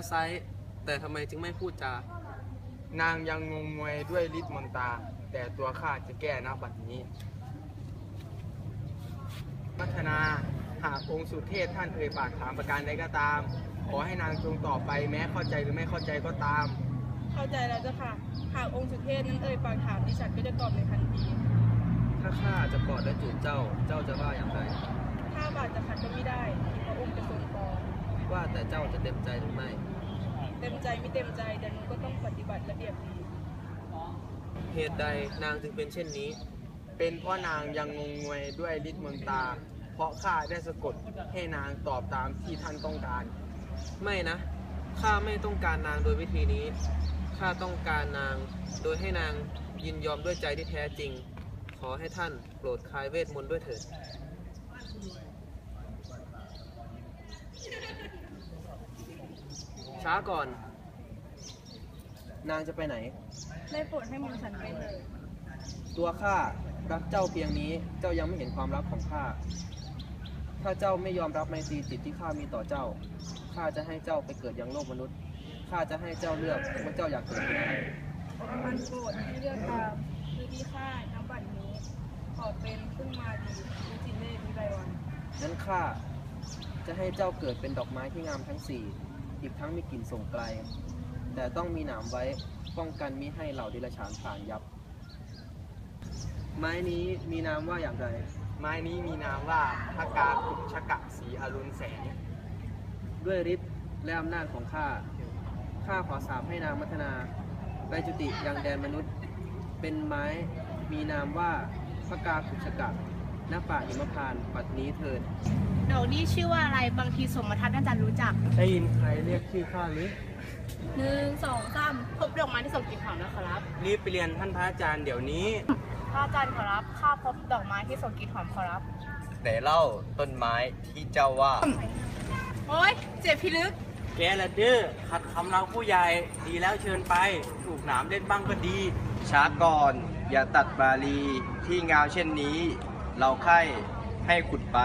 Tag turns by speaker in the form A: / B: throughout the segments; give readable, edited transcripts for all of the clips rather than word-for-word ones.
A: ไซร้แต่ทำไมจึงไม่พูดจา
B: นางยังงงงวยด้วยฤทธิ์มนตราแต่ตัวข้าจะแก้ณบัดนี้พัฒนาหากองค์สุเทพท่านเอ่ยปากถามประการใดก็ตาม ขอให้นางจงตอบไปแม้เข้าใจหรือไม่เข้าใจก็ตาม
C: เข้าใจแล้วเจ้าค่ะ หากองค์สุเทพนั้นเอ่ยปากถามดิฉันก็จะตอบในทันที
A: ถ้าข้าจะกอดและจูบเจ้าจะว่าอย่างไร
C: ถ้าบาทจะขัดก็ไม่ได้ที่พระองค์จะทรงปอง
A: ว่าแต่เจ้าจะเต็มใจหรือไม่
C: เต็มใจไม่เต็มใจแต่หนูก็ต้องปฏิบัติระเบียบดี
A: เหตุใดนางจึงเป็นเช่นนี้
B: เป็นเพราะนางยังงงงวยด้วยฤทธิ์มนตราเพราะข้าได้สะกดให้นางตอบตามที่ท่านต้องการ
A: ไม่นะ ข้าไม่ต้องการนางโดยวิธีนี้ ข้าต้องการนางโดยให้นางยินยอมด้วยใจที่แท้จริง ขอให้ท่านโปรดคลายเวทมนต์ด้วยเถิด ช้าก่อน นางจะไปไหน
C: ได้โปรดให้หม่อมฉันไปเลย
A: ตัวข้ารักเจ้าเพียงนี้ เจ้ายังไม่เห็นความรักของข้า ถ้าเจ้าไม่ยอมรับไมตรีจิตที่ข้ามีต่อเจ้า ข้าจะให้เจ้าไปเกิดยังโลกมนุษย์ ข้าจะให้เจ้าเลือกว่าเจ้าอยากเกิดที่ไหน
C: มันโปรดให้เลือกตามคือที่ข้าน้ำบัดนี้ ขอเป็นซึ่งมาดีวิจิเลศวิไลวัน
A: นั้นข้าจะให้เจ้าเกิดเป็นดอกไม้ที่งามทั้งสี่อีกทั้งมีกลิ่นส่งไกล แต่ต้องมีหนามไว้ป้องกันมิให้เหล่าเดรัจฉานผ่านยับ ไม้นี้มีนามว่าอย่างไร
B: ไม้นี้มีนามว่าพกาคุชกะสีอรุณแสง
A: ด้วยฤทธิ์และอำนาจของข้า ข้าขอสาปให้นางมัทนาไปจุติยังแดนมนุษย์ เป็นไม้มีนามว่าพกาคุชกะณป่าหิมพานต์ปัดนี้เถิด
D: ดอกนี้ชื่อว่าอะไรบางทีสมทัศน์น่าจะรู้จัก
B: ได้ยินใครเรียกชื่อข้าหรือ
D: 1 2 3พบดอกไม้ที่ส่งกลิ่นหอมแล้วขอรับ
B: รีบไปเรียนท่านพระอาจารย์เดี๋ยวนี้
D: พระอาจารย์ขอรับข้าพบดอกไม้ที่ส่งกลิ่นหอมขอรับ
E: ไหนเล่าต้นไม้ที่เจ้าว่า
D: โอ๊ยเจ็บพิลึก
F: แกละดื้อขัดคำเราผู้ใหญ่ดีแล้วเชิญไป ถูกหนามเล่นบ้างก็ดี
E: ช้าก่อนอย่าตัดบาลีที่งามเช่นนี้ เราใคร่ให้ขุดไป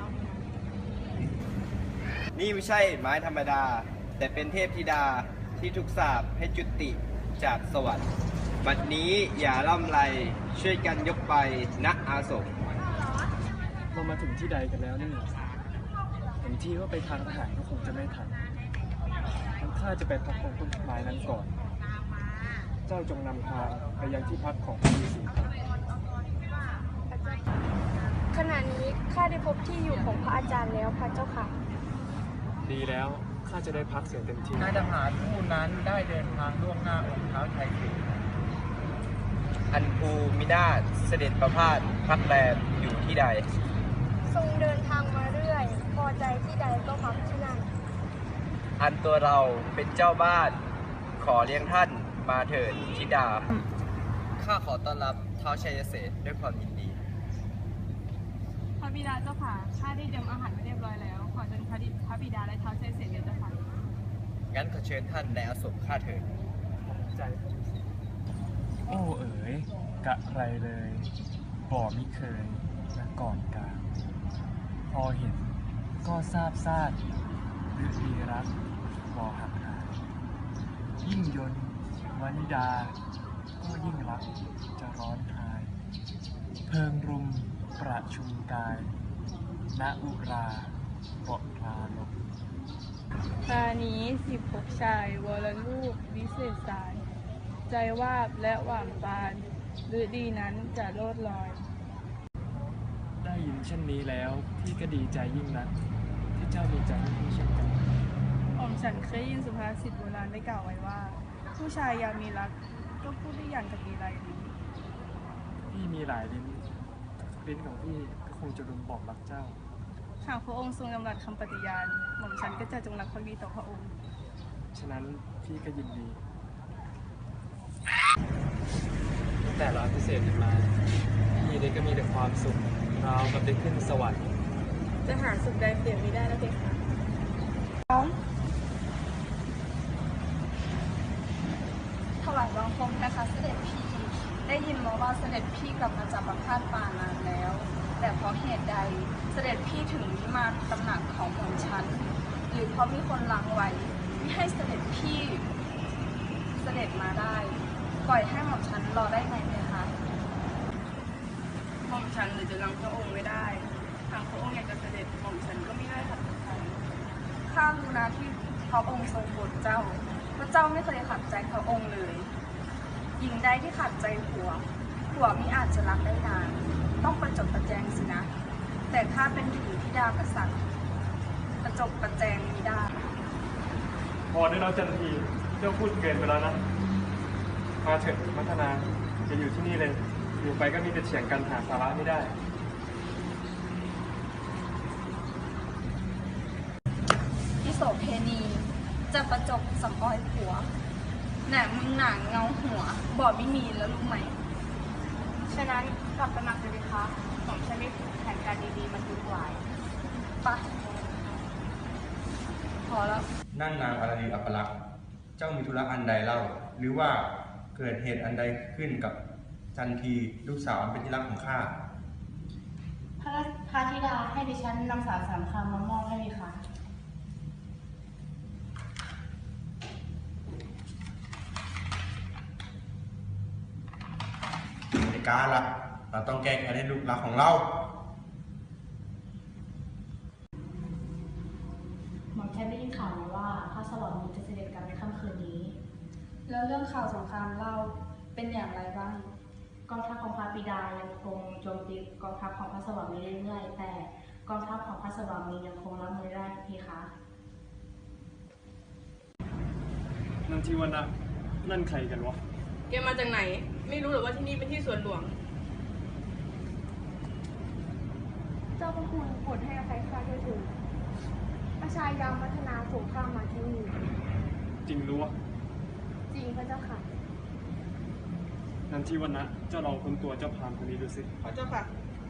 E: นี่ไม่ใช่ไม้ธรรมดา แต่เป็นเทพธิดาที่ถูกสาปให้จุติจากสวรรค์บัดนี้อย่าล่ำไรช่วยกันยกไปณอาสม
G: เรามาถึงที่ใดกันแล้วนี่เห็นที่ว่าไปทางทหารก็คงจะไม่ทันทั้งข้าจะไปพักตรงต้นไม้นั้นก่อน เจ้าจงนำทางไปยังที่พักของพระฤาษีครับ
H: ขณะนี้ข้าได้พบที่อยู่ของพระอาจารย์แล้วพระเจ้าค่ะ
G: ดีแล้วข้าจะได้พักเสียเต็มที่
B: นายทหารผู้นั้นได้เดินทางล่วงหน้าองค์เท้าไทยสิงห์
E: อันภูมินาถเสด็จประพาสพักแรมอยู่ที่ใด
H: ทรงเดินทางมาเรื่อย พอใจที่ใดก็พักที่นั่น
E: อันตัวเราเป็นเจ้าบ้าน ขอเลี้ยงท่านมาเถิดธิดา ข้าขอต้อนรับท้าวชัยเสษด้วยความยินดี
C: พระบิดาเจ้าค่ะ ข้าได้เตรียมอาหารไว้เรียบร้อยแล้ว ขอเชิญพระบิดาและท้าวชัยเสด็จเจ้าค่ะ
E: งั้นขอเชิญท่านในอาสมข้าเถิด
G: ใจพระฤาษีโอ้เอ๋ยกะไรเลยบ่มิเคยและก่อนกลางพอเห็นก็ทราบซาดหรือดีรักบ่หักหายยิ่งยนต์วนิดา ก็ยิ่งรักจะร้อนหาย เพิงรุมประชุมกายณอุราเกาะพลาลม
C: ครานี้16 ชายวรลูกวิเศษสาร ใจวาบและหว่างปานฤดีนั้นจะโลดลอย
G: ได้ยินเช่นนี้แล้วพี่ก็ดีใจยิ่งนักที่เจ้ามีใจให้พี่เช่นกัน
C: หม่อมฉันเคยยินสุภาษิตโบราณได้กล่าวไว้ว่า ผู้ชายยามมีรักก็พูดได้อย่างกับมีไรดี
G: พี่มีหลายลิ้นลิ้นของพี่ก็คงจะรุมบอกรักเจ้า
C: หากพระองค์ทรงดำรัสคำปฏิญาณ หม่อมฉันก็จะจงรักภักดีต่อพระองค์
G: ฉะนั้นพี่ก็ยินดี
F: ตั้งแต่เราพิเศษกันมา พี่ได้ก็มีแต่ความสุขเรากับได้ขึ้นสวรรค์
C: จะหาสุขใดเปรียบไม่ได้แล้วเพคะถวายบังคมนะคะเสด็จพี่ ได้ยินมาว่าเสด็จพี่กลับมาจากประพาสป่านานแล้ว แต่เพราะเหตุใดเสด็จพี่ถึงนิมานตำหนักของหม่อมฉันหรือเพราะมีคนลังไว้ไม่ให้เสด็จพี่เสด็จมาได้ ปล่อยให้หม่อมฉันรอได้ไหมคะหม่อมฉันหรือจะรังพระองค์ไม่ได้ทางพระองค์อยากจะเสด็จหม่อมฉันก็ไม่ได้ขัดใจข้ารู้นะที่พระองค์ทรงโปรดเจ้าพระเจ้าไม่เคยขัดใจพระองค์เลยหญิงใดที่ขัดใจผัวมิอาจจะรักได้นานต้องประจบประแจงสินะแต่ถ้าเป็นถึงธิดากษัตริย์ประจบประแจงมิได้
G: พอได้แล้วจันทีเจ้าพูดเกินไปแล้วนะ มาเถอะมัทนาจะอยู่ที่นี่เลย อยู่ไปก็มีแต่เถียงกันหาสาระไม่ได้
C: ที่โสเพณีจะประจบสำออยผัวแหนมึงหนังเงาหัวบอกไม่มีแล้วรู้ไหม
D: ฉะนั้นกลับไปหมักเลยคะผมฉันมีแผนการดีๆมาดูไว้
C: ปะพอแล้ว
B: นั่นนางอาราลีอัปลักษณ์เจ้ามีธุระอันใดเล่า หรือว่าเกิดเหตุอันใดขึ้นกับจันทีลูกสาวอันเป็นที่รักของข้า
D: พระธิดาให้ดิฉันนำสารสามคำมามอบให้ค่ะ
B: ในการล่ะ เราต้องแก้แค้นให้ลูกรักของเรา
D: หม่อมแค่ได้ยินข่าวมาว่าพระสวรรค์จะเสด็จกลับในค่ำคืนนี้
C: แล้วเรื่องข่าวสงครามเล่าเป็นอย่างไรบ้าง
D: กองทัพของพระบิดายังคงโจมตีกองทัพของพระสวรรค์เรื่อยๆแต่กองทัพของพระสวรรค์ยังคงรับมือได้พี่คะ
G: นั่นที่ว่านั่นใครกันวะ
D: แกมาจากไหน ไม่รู้หรือว่าที่นี่เป็นที่สวนหลวง
H: เจ้าพระคุณโปรดให้อภัยข้าด้วยเถิดประชายามพัฒนาสงครามมาที่นี่
G: จริงรู้วะ
H: จริงพระเจ้าค่ะ
G: นั่นที่ว่าเจ้าลองค้นตัวเจ้าพรามคนนี้ดูสิ
D: พระเจ้าค่ะ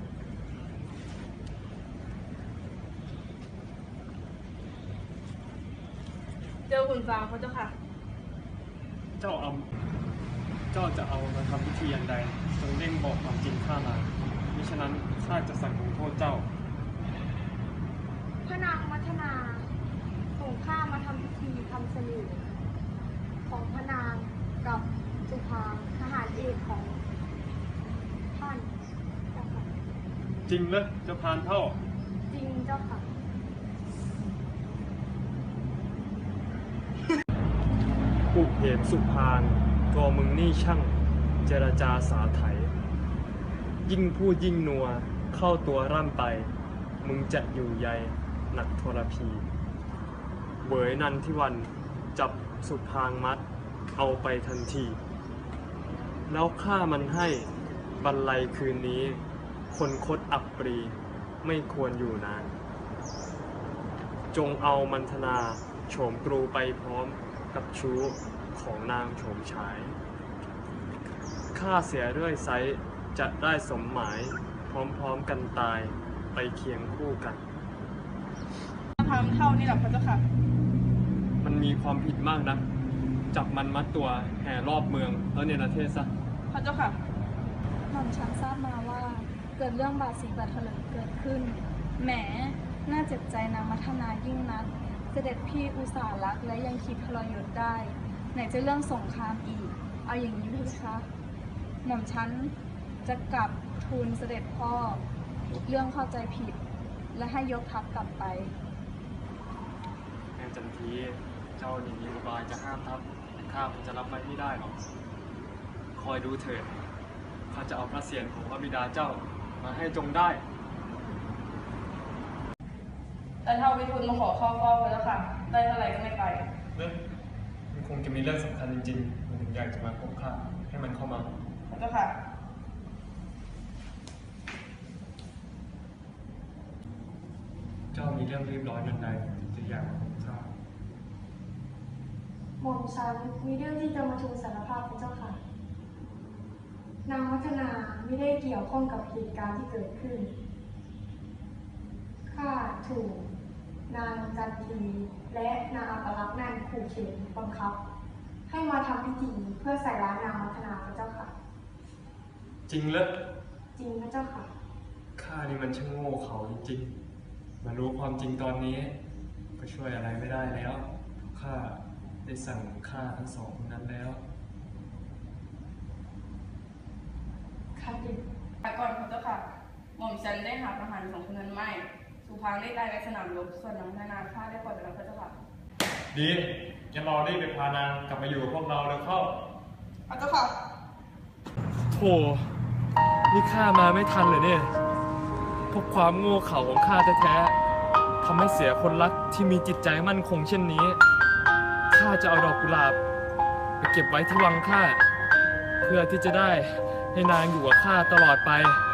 D: เจอคุณฟางพระเจ้าค่ะ
G: เจ้าจะเอามาทำพิธีอย่างใดจงเร่งบอกความจริงข้ามามิฉะนั้นข้าจะสั่งลงโทษเจ้า
H: พระนางมัทนาส่งข้ามาทำพิธีทำเสน่ห์ของพระนางกับสุภางทหารเอกของท่านเจ้าค่ะ
G: จริงเลยเจ้าพรานเท่า
H: จริงเจ้าค่ะ
G: ปุเหมสุพานตัวมึงนี่ช่างเจรจาสาไถ ยิ่งพูดยิ่งนัวเข้าตัวร่ำไป มึงจะอยู่ใยหนักทรพีเวยนันทิวันจับสุพางมัดเอาไปทันที แล้วฆ่ามันให้บรรลัยคืนนี้ คนคดอับปรีไม่ควรอยู่นาน จงเอามันธนาโฉมกรูไปพร้อมกับชู้ของนางโฉมฉายฆ่าเสียเรื่อยไซจะได้สมหมายพร้อมๆกันตายไปเคียงคู่กัน
C: ทำเท่านี่แหละพระเจ้าค่ะ
G: มันมีความผิดมากนะ จับมันมัดตัวแห่รอบเมืองแล้วเนรเทศซะ
C: พระเจ้าค่ะ หม่อมฉันทราบมาว่าเกิดเรื่องบาดสีบาดเถลิงเกิดขึ้น แหม น่าเจ็บใจนางมัทนายิ่งนัก เสด็จพี่อุตส่าห์รักและยังคิดทรยศได้ ไหนจะเรื่องสงครามอีก เอาอย่างนี้พี่คะหม่อมฉันจะกลับทูลเสด็จพ่อ เรื่องเข้าใจผิด และให้ยกทัพกลับไป
G: แม่จันทีเจ้านี่มีอุบายจะห้ามทัพแต่ข้าคงจะรับไว้ไม่ได้หรอก คอยดูเถิดข้าจะเอาพระเศียรของพระบิดาเจ้ามาให้จงได้
C: แต่ถ้าวิทูลมาขอเข้าเฝ้าพระเจ้าค่ะ ได้เท่าไหร่ก็ไม่ไป
G: มันคงจะมีเรื่องสำคัญจริงๆ มันถึงอยากจะมาพบข้าให้มันเข้ามา
C: พระเจ้าค่ะ
G: เจ้ามีเรื่องรีบร้อนอันใดจะอยากมาพบข้า
H: หม่อมฉันมีเรื่องที่จะมาทูลสารภาพพระเจ้าค่ะ นางวัฒนาไม่ได้เกี่ยวข้องกับเหตุการณ์ที่เกิดขึ้น ข้าถูกนางจันทีและนางอัปลักษณ์นั่นขู่เข็นบังคับ ให้มาทำพิธีเพื่อใส่ร้ายนางวัฒนาพระเจ้าค่ะ
G: จริงเลย
H: จริงพระเจ้าค่ะ
G: ข้านี่มันช่างโง่เขาจริงๆ มารู้ความจริงตอนนี้ ก็ช่วยอะไรไม่ได้แล้ว ข้า
F: ได้สั่งฆ่าทั้งสองคนนั้นแล้ว
I: ค่ะก่อนพระเจ้าค่ะ หม่อมฉันได้หาทหารสองคนนั้นไม่ สุพางได้ตายในสนามรบ ส่วนน้องนานาฆ่าได้ปล่อยไปแล้วพระเจ้าค่ะ
G: ดีงั้นเราได้ไปพานางกลับมาอยู่กับพวกเราแล้วเข้า
I: พระเจ้าค่ะ
F: โธ่นี่ข้ามาไม่ทันเลยเนี่ยเพราะความโง่เขลาของข้าแท้ๆทำให้เสียคนรักที่มีจิตใจมั่นคงเช่นนี้ ข้าจะเอาดอกกุหลาบไปเก็บไว้ที่วังข้า เพื่อที่จะได้ให้นางอยู่กับข้าตลอดไป